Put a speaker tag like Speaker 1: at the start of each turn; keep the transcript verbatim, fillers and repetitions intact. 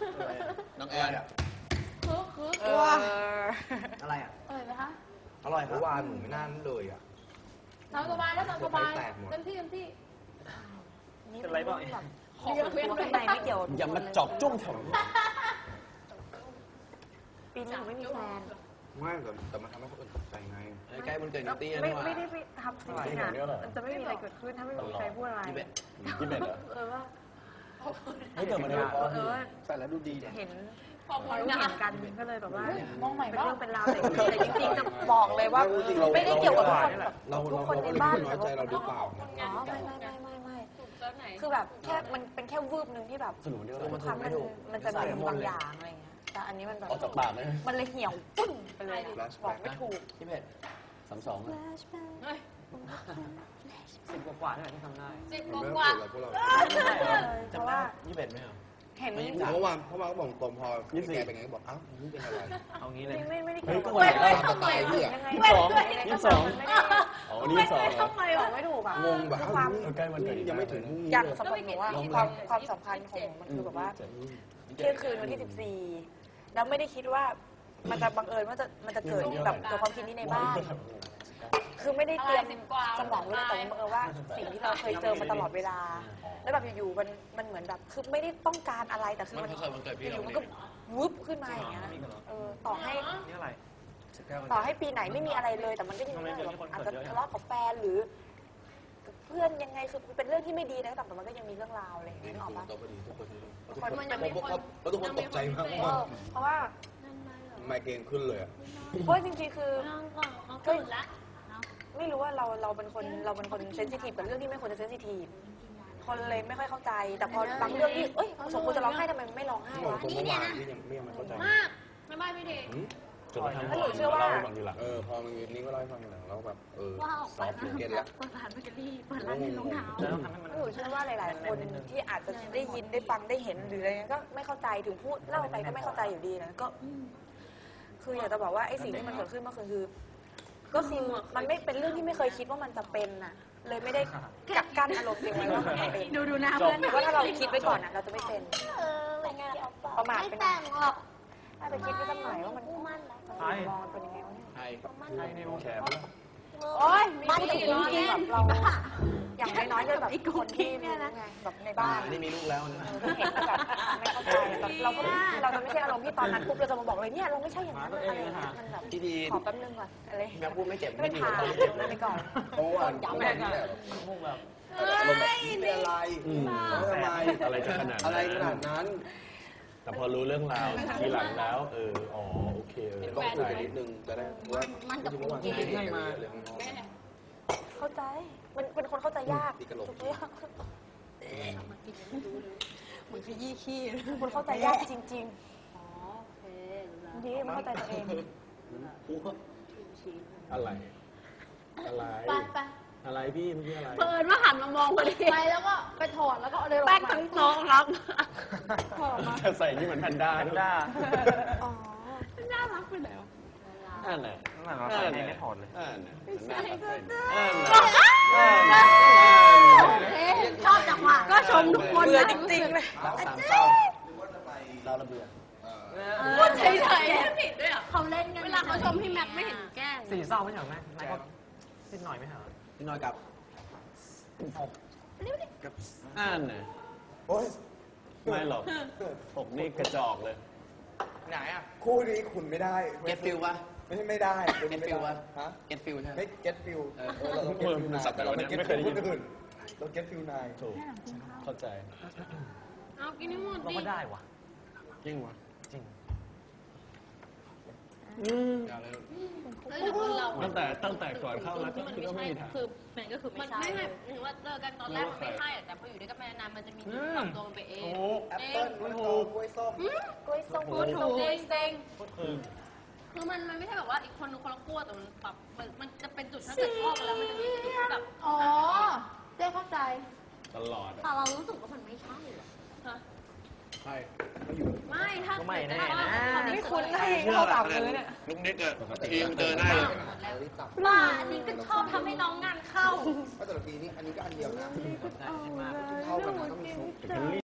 Speaker 1: น้องแอน
Speaker 2: คือคือ
Speaker 3: ว้า
Speaker 4: อะไรอ่ะ
Speaker 2: อร่อยไหมคะ
Speaker 4: อร่อยครับวานหนูไม่น่าเลยอ่ะ
Speaker 2: ตามสบายแล้วตามสบายเต็มที่เต็มที่
Speaker 3: เป็นไรบ้าง
Speaker 2: ของเพื่อน
Speaker 3: ข้างในไม่เกี่ยว
Speaker 1: อย่ามาจอบจ้วงแถว
Speaker 3: ปีนี้หนูไม่มีแฟน
Speaker 4: ไม่แต่แต่มันทำให้คนอื่นตกใจไง
Speaker 1: ใกล้มันเกิดนิตี้
Speaker 3: ไม่
Speaker 1: นี่ว่า
Speaker 3: ไม่ได้ไปทำสิ่งนี้นะมันจะไม่มีอะไรเกิดขึ้นถ้าไม่มีใครพูดอะไร
Speaker 1: ยี่สิบยี่สิบเอ็ดเหรอ
Speaker 3: เออว่า
Speaker 1: เฮ้ยเกิดมาได้
Speaker 3: เออว่า
Speaker 4: ใส่แล้วดูดีเนี่ย
Speaker 3: เห็น
Speaker 2: ขอบ
Speaker 3: พ
Speaker 2: คุ
Speaker 3: อ
Speaker 2: ณ
Speaker 3: รู้
Speaker 2: นะ
Speaker 3: เห็นกันก็เลยแบบว่า
Speaker 2: มองใหม่
Speaker 3: เป็น
Speaker 2: บ้า
Speaker 3: เรื่องเป็นราวแต่แต่จริงๆจะบอกเลยว่าไม่ได้เกี่ยวกับทุกคนแบบ
Speaker 4: เรา
Speaker 3: ทุ
Speaker 4: เรา
Speaker 3: กค
Speaker 4: เรา
Speaker 3: น
Speaker 4: ก็
Speaker 3: ใน
Speaker 4: เลย
Speaker 3: บ้าน
Speaker 4: น้อยใจเราหรือเปล่า
Speaker 3: อ๋อไม่ไม่ไม่ไม่ไม่
Speaker 2: ถูกเซิร์ฟไหน
Speaker 3: คือแบบแค่มันเป็นแค่วืบหนึ่งที่แบบ
Speaker 1: สนุกเดียว
Speaker 3: ทุกครั้งมันมันจะมีบางอย่างอะไรเงี้ยแต่อันนี้มันแบบ
Speaker 1: ออกจากปากเลย
Speaker 3: มันเลยเหี่ยวปึ้งไปเลยบอกไม่ถูก
Speaker 1: ยี่สิบเอ็ดสามสอง
Speaker 2: เฮ้ย
Speaker 5: สิบกว่าๆนี่แหละที่ทำได้
Speaker 2: สิบ
Speaker 4: มัน
Speaker 2: ก
Speaker 4: ไม่
Speaker 2: ว่า
Speaker 4: เกี่ยวกับพวกเรา
Speaker 3: เพราะว่า
Speaker 1: ยี่สิบเอ็ดไหมอ่ะ
Speaker 3: เห็น
Speaker 4: เมื่อวานเมื่อวานก็บอกตรงพอแกเป็นไงก็บอกอ้าวนี่เป็นอะไร
Speaker 5: เอางี้เลย
Speaker 3: ไม่ไม่ได้
Speaker 1: เฮ้
Speaker 3: เกี่
Speaker 1: ย
Speaker 3: ยว
Speaker 1: ก็
Speaker 3: กับ
Speaker 1: วันไหน
Speaker 4: ตามสไตล์พี่อะ
Speaker 3: ยังไง
Speaker 1: ยี่สิบสอง
Speaker 3: ไม่
Speaker 1: ยี่
Speaker 3: ได้
Speaker 1: สิบสอง
Speaker 3: มันไม่ได้
Speaker 1: อ๋อวันนี้ยี่สิบสองเหรอ
Speaker 3: ทำไมบอกไม่ถูกอ่ะ
Speaker 4: งงแบบ
Speaker 3: คือ
Speaker 4: อ้าว
Speaker 3: ความ
Speaker 1: ใกล้วันเกิด
Speaker 4: ยังไม่ถึงพรุ่งนี้
Speaker 3: อย่าง
Speaker 4: เลย
Speaker 3: สำหรับหนูว่าความความสำคัญของหนูมันคือแบบว่าเที่ยงคืนวันที่สิบสี่แล้วไม่ได้คิดว่ามันจะบังเอิญว่าจะมันจะเกิดแบบตัวความคิดนี้ในบ้าน คือไม่ได้เตรียมสมองไว้เลยแต่ว่าบังเอิญว่าสิ่งที่เราเคยเจอมาตลอดเวลา แล้วแบบอยู่ๆมันมันเหมือนแบบคือไม่ได้ต้องการอะไรแต่คือ
Speaker 1: มั
Speaker 3: มัน น
Speaker 1: ก็เคยมันเกิดพี่
Speaker 3: อ
Speaker 1: เรา
Speaker 3: ยู่ๆมัน
Speaker 1: เนี่
Speaker 3: ก็
Speaker 1: ย
Speaker 3: วุบขึ้นมาอย่างเงี้ยเออต่อให้
Speaker 5: นี่อะไร
Speaker 3: ต่อให้ปีไหนไม่มีอะไรเลย แต่มันก็ยังมีเรื่องแบบอาจจะทะเลาะกับแฟนหรือกับเพื่อนยังไงคือเป็นเรื่องที่ไม่ดีนะแต่มันก็ยังมีเรื่องราวอะไรอย่างเงี้ยนึกออกปะ
Speaker 4: ตัวพอดีทุกคน
Speaker 3: ทุกคนมัน
Speaker 4: ผมผมผมทุกคนตกใจมาก
Speaker 3: เออเพราะว่า
Speaker 4: ไมเกรนขึ้นเลยอ่ะ
Speaker 3: เพราะจริงๆคือ
Speaker 2: เขาตื่นละ
Speaker 3: ไม่รู้ว่าเราเราเป็นคนเราเป็นคนเซนซิทีฟกับเรื่องที่ไม่ควรจะเซนซิทีฟคนเลยไม่ค่อยเข้าใจ แต่พอบางเรื่องที่เอ้ยสมควรจะร้องไห้ทำไมไม่ร้องไห้
Speaker 4: บอก
Speaker 3: วะ
Speaker 4: ตรงเมื่อวานที่ยังไม่ยังไม่เข้าใจ
Speaker 2: มากไม่ไม่ไม่ดี
Speaker 1: จนกระทั่ง
Speaker 3: แล้วหนูเชื่อว่า
Speaker 1: เล่าให้ฟังทีหลัง
Speaker 4: เออพอมันนี้ก็เล่าให้ฟังหลังแล้วแบบเออ
Speaker 2: ว่าออก
Speaker 4: ซ
Speaker 2: ไป
Speaker 4: อฟต์เก็ตแล้ว
Speaker 2: เปิดร้านเบเกอรี่เปิดร้านรองเท้า
Speaker 5: แล้วทำให้มัน
Speaker 3: หนูเชื่อว่าหลาย ๆ คนที่อาจจะได้ยินได้ฟังได้เห็นหรืออะไรเงี้ยก็ไม่เข้าใจถึงพูดเล่าไปก็ไม่เข้าใจอยู่ดีนะก็ คืออยากจะบอกว่าไอ้สิ่งที่มันเกิดขึ้นเมื่อคืนคือ ก็คือมันไม่เป็นเรื่องที่ไม่เคยคิดว่ามันจะเป็นน่ะ เลยไม่ได้กักกั้นอารมณ์ตัวเองไว้ว่ามันจะเป็น
Speaker 2: ดูดูหน้า
Speaker 3: จ
Speaker 2: เพื่
Speaker 3: บ
Speaker 2: อน
Speaker 3: หรือว่าถ้าเราคิดไว้ก่อนน่ะเราจะไม่เป็น
Speaker 2: เออเป็นไง
Speaker 3: ประมาท
Speaker 2: ไม่
Speaker 3: ไปหน่
Speaker 2: แต่
Speaker 3: อย
Speaker 2: งหรอก
Speaker 3: ถ้าไปคิดไว้สักหน่อยว่ามัน
Speaker 2: กูมั่นแล้ว
Speaker 3: มันมองมันเป็นยังไงวะเนี่ย
Speaker 1: ใช่
Speaker 5: ใช่ในวง
Speaker 1: แค
Speaker 5: แข
Speaker 1: บ
Speaker 5: น
Speaker 3: โอ๊ย
Speaker 2: มัน
Speaker 3: พูด
Speaker 2: จะ
Speaker 3: ถึง
Speaker 2: ล้อ
Speaker 3: จริง
Speaker 2: เล่
Speaker 3: ๆ
Speaker 2: น
Speaker 3: แบบเราอย่างน้อยๆก็แบบคนที่รู้ไงแบบในบ้าน
Speaker 1: นี่มีลูกแล้วนะ
Speaker 3: เออเห็นแบบไม่เข้าใจแบบเราก็เราจะไม่ใช่อารมณ์ที่ตอนนั้นปุ๊บเราจะมาบอกเลยเนี่ยเราไม่ใช่อย่างนั้นอะไรอย่างเงี้ยมันแบบ
Speaker 1: ที่ดี
Speaker 3: ขอแป๊บนึงก่อนอะไร
Speaker 1: แม่พูดไม่เจ็บ
Speaker 3: ไม่
Speaker 1: ไม่ดี
Speaker 3: ผ่าน
Speaker 1: ไม่เจ็บ
Speaker 3: ไปก่อน
Speaker 4: เพราะว่าเมื่อวานนี่แหละ
Speaker 5: มุ่งแบบ
Speaker 4: อารมณ์แบบนี่เป็นอะไร
Speaker 1: อืม
Speaker 4: แล้วทำไม
Speaker 1: อะไรจะขนาดนั้น
Speaker 4: อะไรขนาดนั้น
Speaker 1: แต่พอรู้เรื่องราวทีหลังแล้ว เออ อ๋อ โอเคเออ
Speaker 4: ต้อง
Speaker 1: เข้า
Speaker 4: คุย
Speaker 1: ใจ
Speaker 4: กันนิดนึงจะได้ว่าจริงๆเมื่อวานที่ให้มาเลยข้างนอก
Speaker 3: เข้าใจมันเป็นคนเข้าใจยาก
Speaker 4: ตีกระโหลก
Speaker 3: ทุกเรื่อง
Speaker 2: เหมือนขยี้ขี้
Speaker 3: คนเข้าใจยากจริง
Speaker 2: อ๋อโอเค
Speaker 3: ๆดีมันเข้าใจตัวเอง
Speaker 1: อะไร อะไร
Speaker 2: ไปไป
Speaker 1: อะไรพี่เมื่อกี้อะไร
Speaker 2: เปิดว่าหันมามองพอดีไปแล้วก็ไปถอดแล้วก็เอาเลยแป้งทั้งน้องครับถอดมา
Speaker 1: ใส่นี่เหมือนแพนด้าด้วย
Speaker 5: ด้า
Speaker 3: อ๋อ
Speaker 2: น่ารักไปแล้ว
Speaker 1: นั่นแหละ
Speaker 5: นั่นเราใส่เองไม่ถอดเลย
Speaker 1: นั่นแหละ
Speaker 2: ใช่ก็
Speaker 1: นั่นแห
Speaker 2: ได้
Speaker 1: ละ
Speaker 2: ชอบจังหวะก็ชมทุกคน
Speaker 3: เบื่อจริงๆเลย
Speaker 4: รักสามเศร้าเราระเบียบ
Speaker 2: พูดเฉยๆไม่ผิดด้วยอ่ะเขาเล่นกันเวลาเขาชมพี่แม็กไม่เห็นแกล้ง
Speaker 5: สี่เศร้าไม่ใช่เหรอแม่นายก็นิดหน่อยไม่ใช่เหรอ
Speaker 4: พี่น้อยกับ
Speaker 1: นั่นน่ะ
Speaker 4: โอ้ย
Speaker 1: ไม่หรอกอกนี่กระจอกเลย
Speaker 5: ไหนอ่ะ
Speaker 4: คู่นี้คุณไม่ได้
Speaker 1: เก็ตฟิลปะ
Speaker 4: ไม่ใช่ไม่ได้
Speaker 1: เก็ตฟิลปะ
Speaker 4: ฮะ
Speaker 1: เก็ตฟิลใช่ไหม
Speaker 4: ไม่ get feel เออเราต้อง get feel นายแต่เราไม่ get
Speaker 1: ไม่เคยได้
Speaker 4: feel
Speaker 1: ยิน
Speaker 4: คนอื่นเรา get feel นาย
Speaker 1: ถูก เข้าใจ
Speaker 2: เอากินให้หมด
Speaker 5: เรา
Speaker 2: ดิ
Speaker 5: ก็ได้ว่ะ
Speaker 1: จริงวะ
Speaker 5: จริง
Speaker 1: อย่าเลย
Speaker 2: เฮ้ยแต่คนเรา
Speaker 1: ตั้งแต่ตั้งแต่ก่อนเข้าแล้วก็
Speaker 2: มัน
Speaker 1: คือ
Speaker 2: ไม่
Speaker 1: ก็ไม่
Speaker 2: ใช่
Speaker 1: มีทาง
Speaker 2: คือมันก็คือไม่ใช่ไม่หรือว่าเจอกันตอนแรกมันไม่ใช่อะแต่พออยู่ด้วยกันไปนานมันจะมีจุดปรับตัวมันไปเอง
Speaker 5: ถูก
Speaker 4: แอปเปิ้ลมะละกอกล้วยส้ม
Speaker 3: กล้วยส้ม
Speaker 2: พูดถูกเซ็ง
Speaker 5: ก็คือ
Speaker 2: คือมันมันไม่ใช่แบบว่าอีกคนนึงคนละขั้วแต่มันปรับมันมันจะเป็นจุดถ้าเกิดชอบกันแล้วมันจะมีจุดที่แบบอ๋อเจ๊เข้าใจ
Speaker 1: ตลอด
Speaker 2: แต่เรารู้สึกว่ามันไม่ใช่หรอฮะ
Speaker 1: ใช่
Speaker 2: ไม่ถ้า
Speaker 5: ก็ไม่แน่
Speaker 2: ถ้า
Speaker 5: นะ
Speaker 2: ถ้า
Speaker 3: ไม่คุ้นให้เข้าปากเลยเนี่ย
Speaker 1: ลุกนิดอะทีมเจอหน้า
Speaker 2: ว่าอันนี้ก็ชอบทำให้น้องงานเข้า
Speaker 4: ก็แต่ละปีนี้อันนี้ก็อันเดียวนะ
Speaker 5: ได้มาก
Speaker 4: เท่ากันนะต้องมีชุบ
Speaker 1: เฮนรี่